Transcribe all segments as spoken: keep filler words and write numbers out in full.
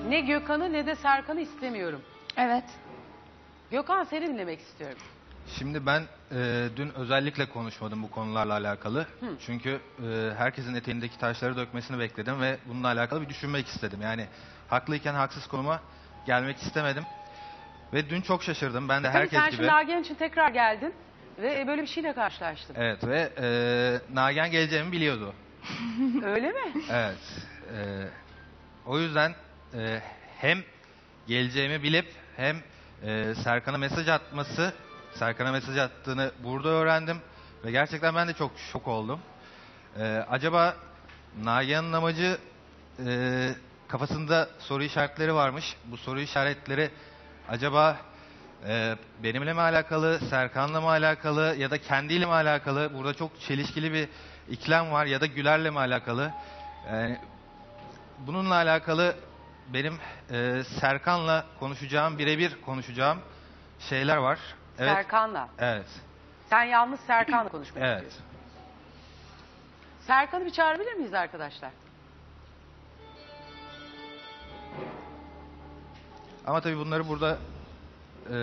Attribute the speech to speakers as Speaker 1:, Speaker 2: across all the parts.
Speaker 1: Ne Gökhan'ı ne de Serkan'ı istemiyorum.
Speaker 2: Evet.
Speaker 1: Gökhan, seni dinlemek istiyorum.
Speaker 3: Şimdi ben e, dün özellikle konuşmadım bu konularla alakalı.
Speaker 1: Hı.
Speaker 3: Çünkü e, herkesin eteğindeki taşları dökmesini bekledim ve bununla alakalı bir düşünmek istedim. Yani haklıyken haksız konuma gelmek istemedim. Ve dün çok şaşırdım. Ben de
Speaker 1: Tabii
Speaker 3: herkes
Speaker 1: sen
Speaker 3: gibi.
Speaker 1: şimdi Nagihan için tekrar geldin ve böyle bir şeyle karşılaştın.
Speaker 3: Evet ve e, Nagihan geleceğimi biliyordu.
Speaker 1: Öyle mi?
Speaker 3: Evet. e, o yüzden e, hem geleceğimi bilip hem e, Serkan'a mesaj atması, Serkan'a mesaj attığını burada öğrendim. Ve gerçekten ben de çok şok oldum. E, acaba Nagihan'ın amacı, e, kafasında soru işaretleri varmış. Bu soru işaretleri acaba e, benimle mi alakalı, Serkan'la mı alakalı ya da kendiyle mi alakalı? Burada çok çelişkili bir ikilem var, ya da Güler'le mi alakalı? Yani bununla alakalı benim e, Serkan'la konuşacağım, birebir konuşacağım şeyler var. Evet.
Speaker 1: Serkan'la.
Speaker 3: Evet.
Speaker 1: Sen yalnız Serkan'la konuşmak
Speaker 3: Evet.
Speaker 1: istiyorsun. Serkan'ı bir çağırabilir miyiz arkadaşlar?
Speaker 3: Ama tabii bunları burada e,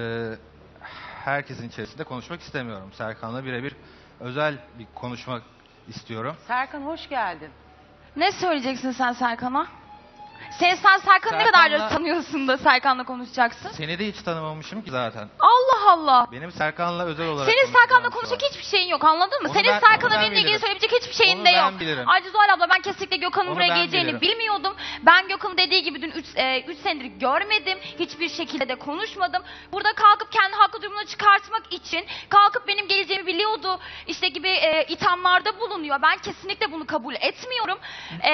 Speaker 3: herkesin içerisinde konuşmak istemiyorum. Serkan'la birebir özel bir konuşmak istiyorum.
Speaker 1: Serkan, hoş geldin.
Speaker 2: Ne söyleyeceksin sen Serkan'a? Sen, sen Serkan'ı ne
Speaker 3: Serkan'la-
Speaker 2: kadar tanıyorsun da Serkan'la konuşacaksın?
Speaker 3: Seni de hiç tanımamışım ki zaten.
Speaker 2: Allah Allah.
Speaker 3: Benim Serkan'la özel olarak
Speaker 2: Senin
Speaker 3: konuşacağım
Speaker 2: Serkan'la
Speaker 3: şu an.
Speaker 2: konuşacak hiçbir şeyin yok, anladın mı?
Speaker 3: Onu
Speaker 2: Senin
Speaker 3: ben-
Speaker 2: Serkan'la
Speaker 3: onu ben
Speaker 2: benimle ilgili
Speaker 3: bilirim.
Speaker 2: söyleyebilecek hiçbir şeyin
Speaker 3: Onu
Speaker 2: de
Speaker 3: ben
Speaker 2: yok.
Speaker 3: bilirim.
Speaker 2: Ayrıca Zuhal abla, ben kesinlikle Gökhan'ın
Speaker 3: Onu
Speaker 2: buraya
Speaker 3: ben
Speaker 2: geleceğini
Speaker 3: bilirim.
Speaker 2: bilmiyordum. Ben Gökhan'ın dediği gibi dün üç senedir görmedim. Hiçbir şekilde de konuşmadım. Burada kalkıp kendi haklı durumunu çıkartmak için kalkıp benim geleceğimi biliyordu işte gibi e, ithamlarda bulunuyor. Ben kesinlikle bunu kabul etmiyorum. E,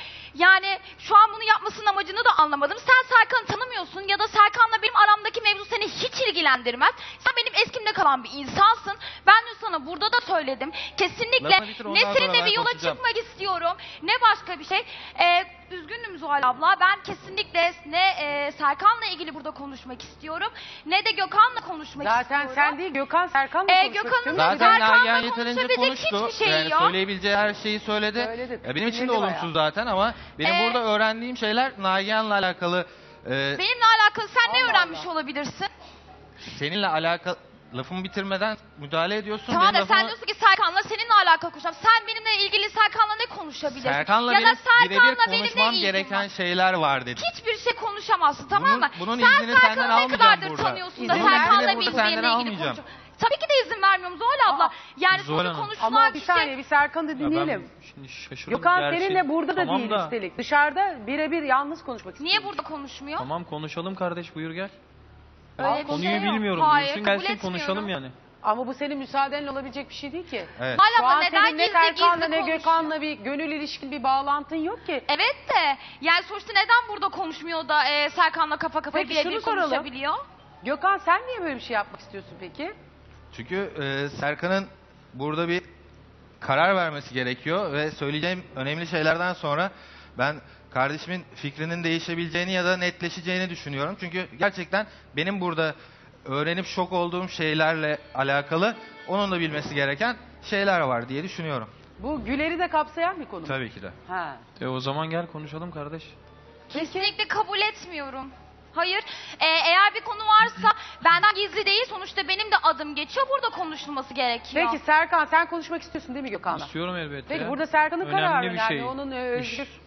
Speaker 2: yani şu an bunu yapmasının amacını da anlamadım. Sen Serkan'ı tanımıyorsun ya da Serkan'la benim aramdaki mevzu seni hiç ilgilendirmez. Sen benim eskimde kalan bir insansın. Ben dün sana burada da söyledim. Kesinlikle
Speaker 3: Lafını bitir,
Speaker 2: ne
Speaker 3: ondan sonra
Speaker 2: seninle
Speaker 3: ben
Speaker 2: bir yola
Speaker 3: konuşacağım.
Speaker 2: çıkmak istiyorum ne başka bir şey. Ee, üzgünüm Zuhal abla. Ben kesinlikle ne e, Serkan'la ilgili burada konuşmak istiyorum ne de Gökhan'la konuşmak
Speaker 1: Zaten
Speaker 2: istiyorum.
Speaker 1: sen değil, Gökhan Serkan'la
Speaker 2: Ee,
Speaker 1: konuşmak
Speaker 2: Gökhan'ın
Speaker 1: istiyorum.
Speaker 2: da-
Speaker 3: Zaten
Speaker 2: Serkan'la
Speaker 3: Nagihan yeterince
Speaker 2: konuşabilecek
Speaker 3: konuştu.
Speaker 2: hiçbir şeyi
Speaker 3: Yani
Speaker 2: yok.
Speaker 3: söyleyebileceği her şeyi söyledi.
Speaker 1: Söyledi.
Speaker 3: Ya benim için de
Speaker 1: Dinledi
Speaker 3: olumsuz
Speaker 1: bayağı.
Speaker 3: zaten ama benim
Speaker 2: Ee,
Speaker 3: burada öğrendiğim şeyler Nagihan'la alakalı. e,
Speaker 2: Benimle alakalı sen ne
Speaker 1: Allah
Speaker 2: öğrenmiş
Speaker 1: Allah.
Speaker 2: olabilirsin?
Speaker 3: seninle alakalı lafımı bitirmeden müdahale ediyorsun.
Speaker 2: Tamam
Speaker 3: Benim
Speaker 2: da sen
Speaker 3: lafımı-
Speaker 2: diyorsun ki Serkan'la seninle alakalı konuşacağım. Sen benimle ilgili Serkan'la ne konuşabilirsin?
Speaker 3: Benimle
Speaker 2: ya da
Speaker 3: benim birebir
Speaker 2: Serkan'la
Speaker 3: konuşmam
Speaker 2: benimle ilgili
Speaker 3: gereken
Speaker 2: var.
Speaker 3: şeyler var dedi.
Speaker 2: Hiçbir şey konuşamazsın, tamam
Speaker 3: Bunun-
Speaker 2: mı?
Speaker 3: bunun
Speaker 2: sen
Speaker 3: iznini senden
Speaker 2: Serkan'ı ne
Speaker 3: almayacağım
Speaker 2: kadardır
Speaker 3: burada.
Speaker 2: tanıyorsun da
Speaker 1: İzin ver-
Speaker 2: Serkan'la
Speaker 3: İznini burada
Speaker 2: benim benimle
Speaker 3: senden
Speaker 2: ilgili
Speaker 3: almayacağım.
Speaker 2: konuşuyor. Tabii ki de izin vermiyorum Zuhal abla.
Speaker 1: Aa,
Speaker 2: Yani
Speaker 4: Zuhal
Speaker 2: burada
Speaker 4: Hanım.
Speaker 2: konuşulan
Speaker 1: Ama bir
Speaker 2: şey...
Speaker 1: saniye, bir Serkan'ı da
Speaker 4: Ya
Speaker 1: dinleyelim.
Speaker 4: ben şimdi şaşırdım.
Speaker 1: Gökhan
Speaker 4: gerçi.
Speaker 1: seninle burada da
Speaker 4: Tamam
Speaker 1: değil
Speaker 4: da,
Speaker 1: üstelik. Dışarıda birebir yalnız konuşmak istiyor.
Speaker 2: Niye burada konuşmuyor?
Speaker 4: Tamam konuşalım kardeş, buyur gel.
Speaker 2: Öyle bir
Speaker 4: Konuyu
Speaker 2: şey yok.
Speaker 4: bilmiyorum.
Speaker 2: Hayır,
Speaker 4: Buyursun
Speaker 2: kabul
Speaker 4: gelsin
Speaker 2: etmiyorum.
Speaker 4: konuşalım yani.
Speaker 1: Ama bu senin müsaadenle olabilecek bir şey değil ki.
Speaker 3: Evet.
Speaker 2: Zuhal
Speaker 1: Şu
Speaker 2: abla
Speaker 1: an
Speaker 2: neden
Speaker 1: senin ne
Speaker 2: gizli
Speaker 1: Serkan'la
Speaker 2: gizli
Speaker 1: ne
Speaker 2: konuşuyor?
Speaker 1: Gökhan'la bir gönül ilişkin bir bağlantın yok ki.
Speaker 2: Evet de yani sonuçta neden burada konuşmuyor da e, Serkan'la kafa kafaya
Speaker 1: Peki şunu
Speaker 2: birebir
Speaker 1: soralım.
Speaker 2: konuşabiliyor?
Speaker 1: Gökhan, sen niye böyle bir şey yapmak istiyorsun peki?
Speaker 3: Çünkü e, Serkan'ın burada bir karar vermesi gerekiyor ve söyleyeceğim önemli şeylerden sonra ben kardeşimin fikrinin değişebileceğini ya da netleşeceğini düşünüyorum. Çünkü gerçekten benim burada öğrenip şok olduğum şeylerle alakalı onun da bilmesi gereken şeyler var diye düşünüyorum.
Speaker 1: Bu Güler'i de kapsayan bir konu mu?
Speaker 3: Tabii ki de.
Speaker 1: Ha.
Speaker 4: E o zaman gel konuşalım kardeş.
Speaker 2: Kesinlikle kabul etmiyorum. Hayır. Ee, eğer bir konu varsa benden gizli değil. Sonuçta benim de adım geçiyor. Burada konuşulması gerekiyor.
Speaker 1: Peki Serkan, sen konuşmak istiyorsun değil mi Gökhan'la?
Speaker 4: İstiyorum elbette.
Speaker 1: Peki
Speaker 4: ya.
Speaker 1: burada Serkan'ın
Speaker 4: Önemli
Speaker 1: kararı
Speaker 4: bir
Speaker 1: yani
Speaker 4: şey.
Speaker 1: onun e,
Speaker 4: İş.
Speaker 1: özgür.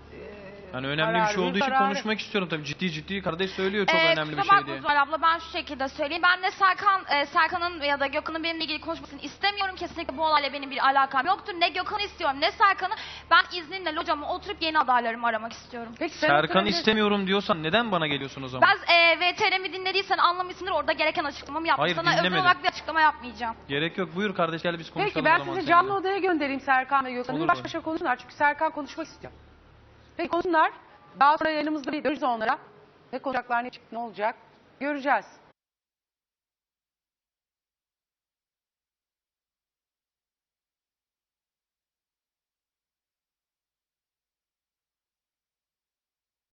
Speaker 4: Yani önemli
Speaker 1: kararı,
Speaker 4: bir şey olduğu için
Speaker 1: kararı.
Speaker 4: konuşmak istiyorum tabii. Ciddi ciddi kardeş söylüyor çok
Speaker 2: Ee,
Speaker 4: önemli bir
Speaker 2: kusura
Speaker 4: şey
Speaker 2: bakma
Speaker 4: diye.
Speaker 2: Zuhal abla, ben şu şekilde söyleyeyim. Ben de Serkan, e, Serkan'ın ya da Gökhan'ın benimle ilgili konuşmasını istemiyorum. Kesinlikle bu olayla benim bir alakam yoktur. Ne Gökhan'ı istiyorum ne Serkan'ı. Ben izninle locama oturup yeni adaylarımı aramak istiyorum.
Speaker 1: Peki sen
Speaker 4: Serkan
Speaker 1: oturabilir-
Speaker 4: istemiyorum diyorsan neden bana geliyorsun o zaman?
Speaker 2: Ben e, V T R'mi dinlediysen anlamışsındır. Orada gereken açıklamamı yaptım.
Speaker 4: Hayır,
Speaker 2: Sana özel
Speaker 4: dinlemedim.
Speaker 2: olarak bir açıklama yapmayacağım.
Speaker 4: Gerek yok, buyur kardeş gel biz konuşalım
Speaker 1: Peki
Speaker 4: o
Speaker 1: ben
Speaker 4: zaman
Speaker 1: sizi
Speaker 4: seninle.
Speaker 1: canlı odaya göndereyim Serkan ve Gökhan'ı.
Speaker 4: Olur
Speaker 1: Baş
Speaker 4: mu?
Speaker 1: başa konuşsunlar çünkü Serkan konuşmak istiyor. Peki konuşsunlar. Daha sonra yanımızda bir görürüz onlara. Ne konuşacaklar, ne çıktı, ne olacak göreceğiz.